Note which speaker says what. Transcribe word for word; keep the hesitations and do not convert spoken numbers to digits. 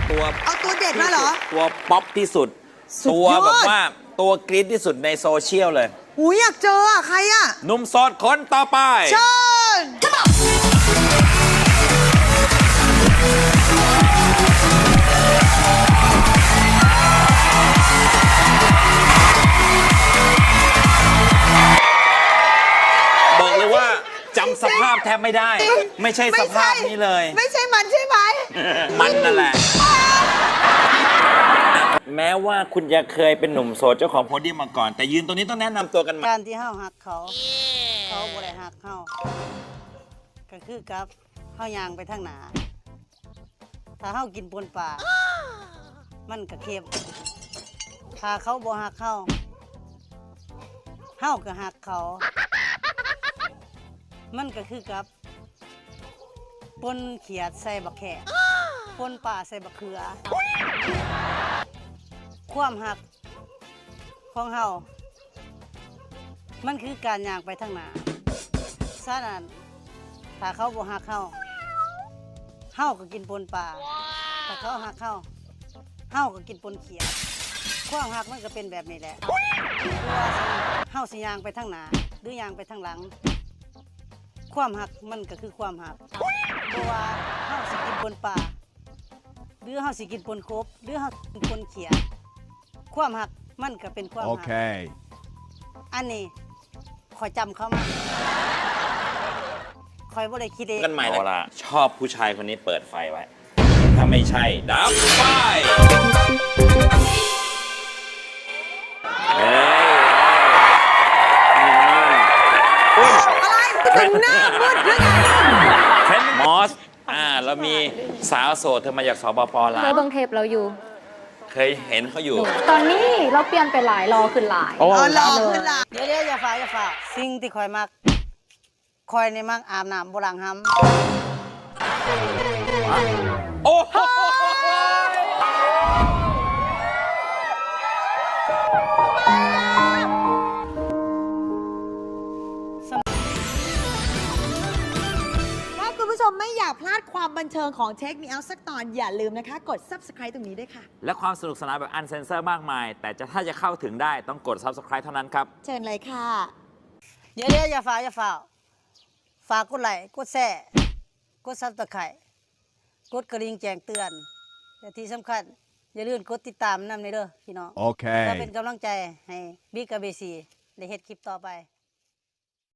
Speaker 1: ตัว
Speaker 2: เอาตัวเด็ดมาเหรอ
Speaker 1: ตัวป๊อปที่สุด
Speaker 2: สุด
Speaker 1: ตัวย
Speaker 2: อด
Speaker 1: แบบว่าตัวกรี๊ดที่สุดในโซเชียลเลย
Speaker 2: หูยอยากเจออะใครอะ
Speaker 1: หนุ่มโสดคนต่อไป
Speaker 2: เชิญ
Speaker 1: บอกเลยว่าจำสภาพแทบไม่ได้ ไม่ใช่สภาพนี้เลย
Speaker 2: ไม่ใช่มันใช่ไหม
Speaker 1: มันนั่นแหละ แม้ว่าคุณจะเคยเป็นหนุ่มโสดเจ้าของโพเดียมมาก่อน แต่ยืนตรงนี้ต้องแนะนำตัวกันมา
Speaker 3: การที่เฮาหักเขา เขาบ่ได้หักเฮาก็คือกับเฮายางไปทางหนาถ้าเฮากินปนป่า มันก็เค็มถ้าเขาบ่หักเฮาเฮาก็หักเขา มันก็คือกับปนเขียดใส่บักแขกปนป่าใส่บักเขือ ความหักของเฮามันคือการย่างไปทางหน้าฉะนั้นถ้าเขาบ่หักเฮาเฮาก็กินปนป่าถ้าเขาหักเฮาเฮาก็กินปนเขียดความหักมันก็เป็นแบบนี้แหละว่าเฮาสิย่างไปทางหน้าหรือย่างไปทางหลัง ความหักมันก็คือความหักเพราะว่าเฮาสิกินปนป่าหรือเฮาสิกินปนกบหรือเฮากินปนเขียดความหักมันก็เป็นความหัก
Speaker 4: Okay.
Speaker 3: อันนี้คอยจำเขามาคอยบ่ได้คิดเอง
Speaker 1: กันใหม่แล้วชอบผู้ชายคนนี้เปิดไฟไว้ ถ้าไม่ใช่ ดับไฟเฮ้ย
Speaker 2: อะไรถึงหน้ามืดหรือไง
Speaker 1: เทนมอส อ่า เรามีสาวโสดเธอมาจากสปปลา
Speaker 5: เคยว เบิ่งเทปเราอยู่
Speaker 1: เคยเห็นเขาอยู่
Speaker 5: ตอนนี้เราเปลี่ยนไปหลายรอขึ้นหลาย
Speaker 2: เออหลอกขึ้นละ
Speaker 3: เดี๋ยวเดี๋ยวอย่าฝ่าอย่าฝ่าสิ่งที่คอยมักคอยในมักอาบน้ำบ่ล้างห้ำ
Speaker 1: โอ้โห
Speaker 2: ถ้าคุณผู้ชมไม่อยากพลาดความบันเทิงของเทคมีเอาสักตอนอย่าลืมนะคะ กด ซับสไครบ์ ตรงนี้ด้วยค่ะ
Speaker 1: และความสนุกสนานแบบอันเซนเซอร์มากมาย แต่จะถ้าจะเข้าถึงได้ต้องกด ซับสไครบ์ เท่านั้นครับ
Speaker 2: เชิญเลยค่ะ
Speaker 3: เดี๋ยวเดี๋ยวอย่าฝ่าอย่าฝ่าฝากกดไลค์กดแชร์กดซับสไครต์กดกระดิ่งแจ้งเตือนและที่สำคัญอย่าลืมกดติดตามนำในเด้อพี่น้อง
Speaker 4: Okay.
Speaker 3: เพื่อเป็นกำลังใจให้บิ๊กกับเบซีได้เฮ็ดคลิปต่อไป